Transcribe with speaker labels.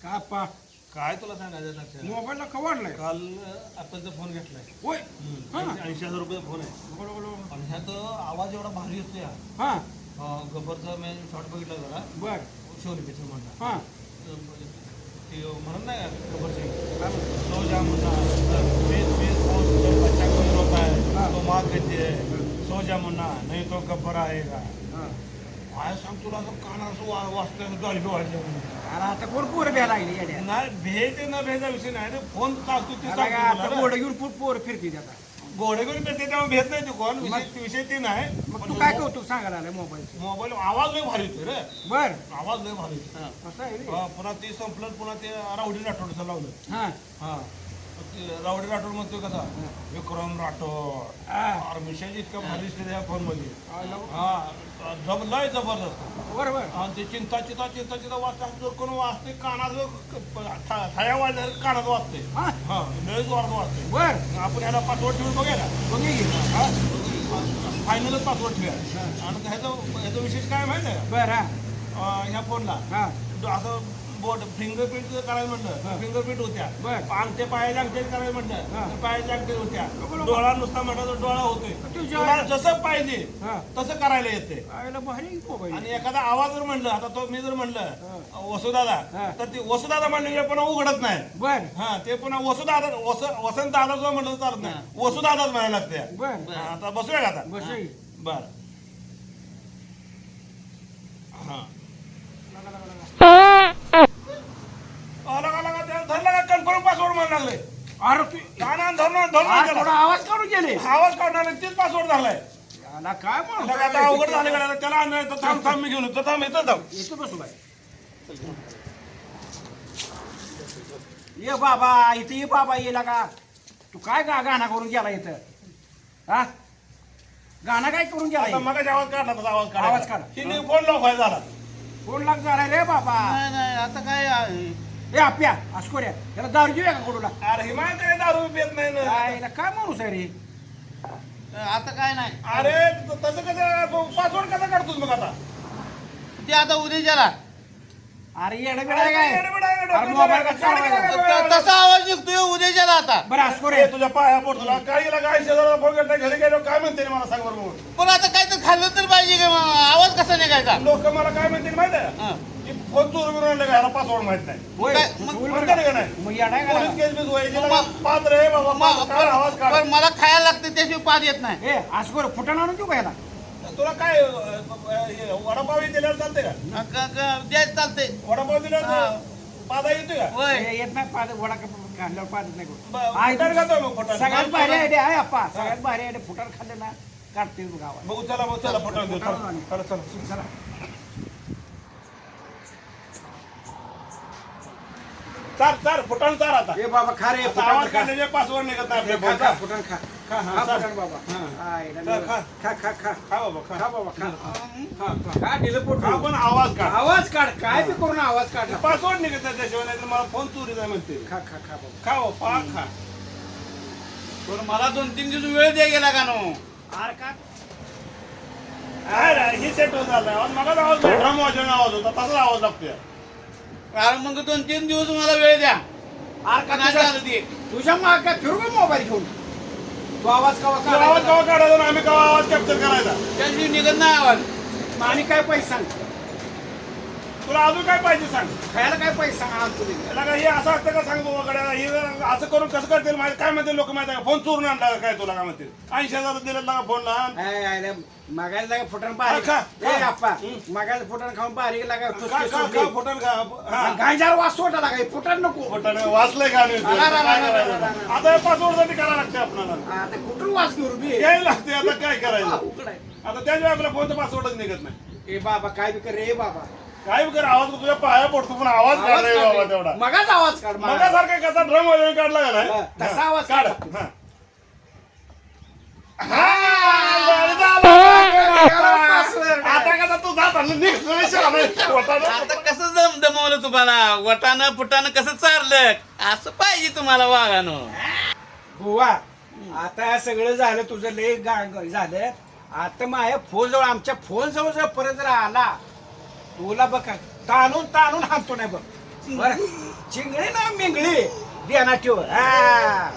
Speaker 1: का पा
Speaker 2: काय तुला सांगायचं लक्षात
Speaker 1: मोबाईलला कवाडलाय
Speaker 2: काल ऍपलचा फोन घेतलाय
Speaker 1: होय हा
Speaker 2: 80,000 रुपयाचा फोन आहे
Speaker 1: बरोबर बरोबर
Speaker 2: आणि ह्यात आवाज एवढा भारी येतो या
Speaker 1: हा
Speaker 2: गब्बरचा मी शॉर्ट बघितला जरा
Speaker 1: बर
Speaker 2: शिवलिपेचं म्हणला
Speaker 1: हा
Speaker 2: ते म्हणत नाही का गब्बरची
Speaker 1: काय म्हणतो?
Speaker 2: सो जाम मुन्ना बीस जब बच्चा कोई रोता है तो माँ कहती है सो जा मुन्ना नहीं तो गब्बर आएगा
Speaker 1: हा
Speaker 2: काय सांग तुला असं काना असं वाचतं गाडी वाढल्या
Speaker 1: अरे आता कोण पोरं भ्या लागली येड्या
Speaker 2: नाही भेज न भेजा विषय नाही रे फोन टाकतो ते
Speaker 1: आता काय आता
Speaker 2: सांगतो
Speaker 1: घोडं घेऊन पोरं फिरती आता
Speaker 2: घोडे घेऊन भेटते तेव्हा भेट नाही तू कोण विषय ते नाही
Speaker 1: मग तू काय कौतुक सांगायला आलाय मोबाईलचं
Speaker 2: मोबाईल आवाज लय भारी येतोय रे
Speaker 1: बर
Speaker 2: आवाज लय भारी येतोय
Speaker 1: असं आहे रे.
Speaker 2: पुन्हा ते संपलं पुन्हा ते रावडी राठोडचं लावलं
Speaker 1: हा
Speaker 2: हा ते रावडी राठोड म्हणतोय कसा विक्रम राठोड
Speaker 1: हा.
Speaker 2: अरे मिशाजी इतका भारी दिसते त्या फोन मध्ये
Speaker 1: हा, लावू.
Speaker 2: हा लय जबरदस्त
Speaker 1: बरोबर
Speaker 2: आणि ते चिंता वाचता जर कोण वाचते कानात थाया वाजल्या कानात वाजते
Speaker 1: हा
Speaker 2: हा लय जोरात वाजते
Speaker 1: बर
Speaker 2: आपण ह्याला पासवर्ड ठेवून बघायला
Speaker 1: बघे की.
Speaker 2: फायनलच पासवर्ड ठेवूया आणि ह्याचा विशेष काय माहिती आहे
Speaker 1: बर हा
Speaker 2: का ह्या फोनला
Speaker 1: हा
Speaker 2: असं बोट फिंगरप्रिंट करायला म्हटलं फिंगरप्रिंट होत्या
Speaker 1: बरं.
Speaker 2: अंगठे पायाच्या अंगठे करायला
Speaker 1: हा.
Speaker 2: म्हटलं पायाच्या अंगठे होत्या
Speaker 1: बरोबर.
Speaker 2: डोळा नुसता म्हटलं तर डोळा होतोय
Speaker 1: तुझ्या-
Speaker 2: तुला जसं पाहिजे
Speaker 1: हा
Speaker 2: तसं करायला येते
Speaker 1: आयला भारी मोबाईल
Speaker 2: आणि एखादा आवाज जर म्हणलं आता तो मी जर म्हणलं वसुदादा
Speaker 1: हा.
Speaker 2: तर ते वसुदादा म्हणलं पुन्हा उघडत नाही
Speaker 1: बर
Speaker 2: हा ते पुन्हा वसुदादा वसंत दादा जो म्हणलं तर चालत नाही वसुदादाच म्हणायला लागते
Speaker 1: बर
Speaker 2: हा, आता बसूया का आता
Speaker 1: बस
Speaker 2: बर हा धरला का कन्फर्म पासवर्ड म्हणायला लागले
Speaker 1: अरे तू
Speaker 2: काना धरून
Speaker 1: आज थोडा आवाज काढून गेले
Speaker 2: आवाज काढणार तेच पासवर्ड झालाय
Speaker 1: याला काय म्हणून
Speaker 2: त्याला आता अवघड झाले का त्याला आणलं तर थांब थांब मी घेऊन येतो थांब येतो थांब
Speaker 1: येतो बसू बाय ये बाबा इथे ये बाबा ये लागा तू काय गाणं करून गेला इथं हा गाणं काय करून
Speaker 2: आता
Speaker 1: गेला
Speaker 2: मगाशी आवाज काढला तसा आवाज काढा
Speaker 1: आवाज काढा.
Speaker 2: तिने फोन लॉक व्हायला झाला
Speaker 1: कोण लाग झाला रे बाबा
Speaker 3: नाही नाही आता काय
Speaker 1: ए आप्या अस्कोऱ्या याला दारू घेऊया का कोडूला
Speaker 2: अरे हिमाय काय दारू पित नाही ना
Speaker 1: याला काय माणूस आहे रे
Speaker 3: आता काय नाही
Speaker 2: अरे तसं कसं पासवर्ड कसा काढतोस मग आता
Speaker 3: ते आता उद्याच्याला
Speaker 1: अरे येडा बिडा आहे काय
Speaker 2: येडा-बिडा आहे,
Speaker 1: अरे
Speaker 2: डोक्यात
Speaker 1: मोबाईल
Speaker 2: जरा-
Speaker 1: का चालवायचा?
Speaker 3: तसा आवाज निघतोय उद्याच्याला आता
Speaker 1: बरं अस्कोरे
Speaker 2: ए, तुझ्या पाया पोट तुला काय शेजारा फोन करता घरी गेलो काय म्हणते रे मला सांग बरोबर
Speaker 3: पण आता काय तर खाल्लं तर पाहिजे का मग? आवाज कसा निघायचा
Speaker 2: लोक मला काय म्हणते माहिती आहे
Speaker 3: हा.
Speaker 2: की फोन चोर करून आणलं का ह्याला पासवर्ड माहित नाही
Speaker 1: होय
Speaker 3: काय-
Speaker 1: तू
Speaker 3: मग-
Speaker 1: बोल
Speaker 2: म्हणते
Speaker 1: बरं
Speaker 2: का नाही
Speaker 1: मग येडा आहे का
Speaker 2: पोलीस
Speaker 1: लागा?
Speaker 2: केस बीस व्हायची
Speaker 3: मग-
Speaker 2: ना, पात्र आहे बाबा
Speaker 3: मग-
Speaker 2: काढ, आवाज काढ
Speaker 3: पण मला खायला लागतं त्याशिवाय पाद येत नाही
Speaker 1: ए अस्कोर फुटाण आणून देऊ का याला
Speaker 2: तुला काय हे, वडापाव दिल्यावर चालते का
Speaker 3: द्यायच चालते
Speaker 2: वडापाव दिल्यावर पादा येतोय का
Speaker 3: होय
Speaker 1: ए, येत नाही पाद वडा खाल्ल्यावर पादच नाही
Speaker 2: ब-
Speaker 1: करू. आहे
Speaker 2: फुटाण
Speaker 1: तू-
Speaker 2: खातो मग, फुटाण.
Speaker 1: सगळ्यात भारी आयडिया आहे अप्पा सगळ्यात भारी आयडिया फुटाण खाल्ले ना काढते तू गावात
Speaker 2: बघू चला बघू चला फुटाण देऊ चला चला चला
Speaker 1: चला
Speaker 2: चार चार फुटाण चार आता
Speaker 1: ए बाबा खा रे
Speaker 2: आता
Speaker 1: फुटाण
Speaker 2: आवाज
Speaker 1: खा.
Speaker 2: काढण्याचे पासवर्ड निघत नाही
Speaker 1: ए,
Speaker 2: आपल्या
Speaker 1: खा,
Speaker 2: फोनचा.
Speaker 1: खा, फुटाण खा
Speaker 2: खा, हा,
Speaker 1: खा
Speaker 2: चाल.
Speaker 1: फुटाण बाबा
Speaker 2: हा.
Speaker 1: आय, ना,
Speaker 2: खा, खा.
Speaker 1: खा खा खा
Speaker 2: खा बाबा खा
Speaker 1: खा बाबा खा
Speaker 2: खा, खा.
Speaker 1: खा दिलं पोट
Speaker 2: खा पण आवाज काढ
Speaker 1: आवाज काढ काय बी करून आवाज काढ
Speaker 2: पासवर्ड निघत नाही त्याशिवाय नाही तर मला फोन चोरी जाय म्हणते
Speaker 1: खा खा खा बाबा
Speaker 2: खा हो पा खा
Speaker 3: पण मला 2-3 दिवस वेळ द्या गेला का नो
Speaker 1: आर का
Speaker 2: काय रे, ही सेट होत झालं आवाज मगाच आवाज ड्रम वाजवून आवाज होता तसाच आवाज लागतोय
Speaker 3: कारण मग 2-3 दिवस मला वेळ द्या
Speaker 1: आर का
Speaker 3: नाही झालं ते
Speaker 1: तुझ्या माग काय फिरू का मोबाईल घेऊन तू आवाज कवा
Speaker 2: तू आवाज
Speaker 1: काढायचा?
Speaker 2: केव्हा काढायचा आणि आम्ही केव्हा आवाज कॅप्चर करायचा
Speaker 3: त्याशिवाय निघत नाही आवाज
Speaker 1: आणि काय पैसे सांग
Speaker 2: तुला अजून काय पाहिजे सांग
Speaker 1: खायला काय पैसे सांग आण तुझे
Speaker 2: त्याला काय हे असं असतं का सांग बाबा गड्या हे असं करून कसं करतील माहिती काय म्हणते लोक माहिती आहे का फोन चोरून आणला का काय तुला काय म्हणतील 80,000 दिलेला का फोन लहान
Speaker 1: मागायला लागा फुटाण बारीक
Speaker 2: खा, खा.
Speaker 1: ए अप्पा मागायला फुटाण खाऊन बारीक लागा
Speaker 2: खा खा खा फोटन खा हा
Speaker 1: गायजार वास सोडा लागा फुटाण नको
Speaker 2: फोटन वाचलंय का आम्ही?
Speaker 1: रा, रा, रा,
Speaker 2: काय
Speaker 1: रा,
Speaker 2: करायचं?
Speaker 1: रा, रा.
Speaker 2: आता पासवर्ड साठी करायला लागते आपल्याला
Speaker 1: आता कुठून वास घेऊ बी
Speaker 2: यायला लागते आता काय करायचं
Speaker 1: अवघड आहे.
Speaker 2: आता त्याशिवाय आपल्या फोनचा पासवर्डच निघत नाही
Speaker 1: ए बाबा काय बी कर रे बाबा
Speaker 2: काय कर आवाज तुझ्या पाया पडतो पण आवाज काढ रे बाबा तेवढा
Speaker 1: मगाच आवाज काढ मगाच.
Speaker 2: मगासारखा कसा ड्रम वाजवून काढला का नाही
Speaker 1: हा, तसा
Speaker 2: हा,
Speaker 1: आवाज
Speaker 2: काढ
Speaker 1: काढ.
Speaker 2: हा. हा, झालं. आता कसा तू जात आणि निघ, निघ, पोटानं.
Speaker 3: आता कसं दमवलं तुम्हाला वटानं फुटानं कसं चारलं असं पाहिजे तुम्हाला वागानं
Speaker 1: बुवा आता सगळं झालं तुझं लय झालं आता माझ्या फोन जवळ आमच्या फोन जवळ जर परत जर आला तुला बघ ताणून ताणून हाणतो नाही बघ बरं चिंगळी ना मिंगळी ध्यानात ठेव हा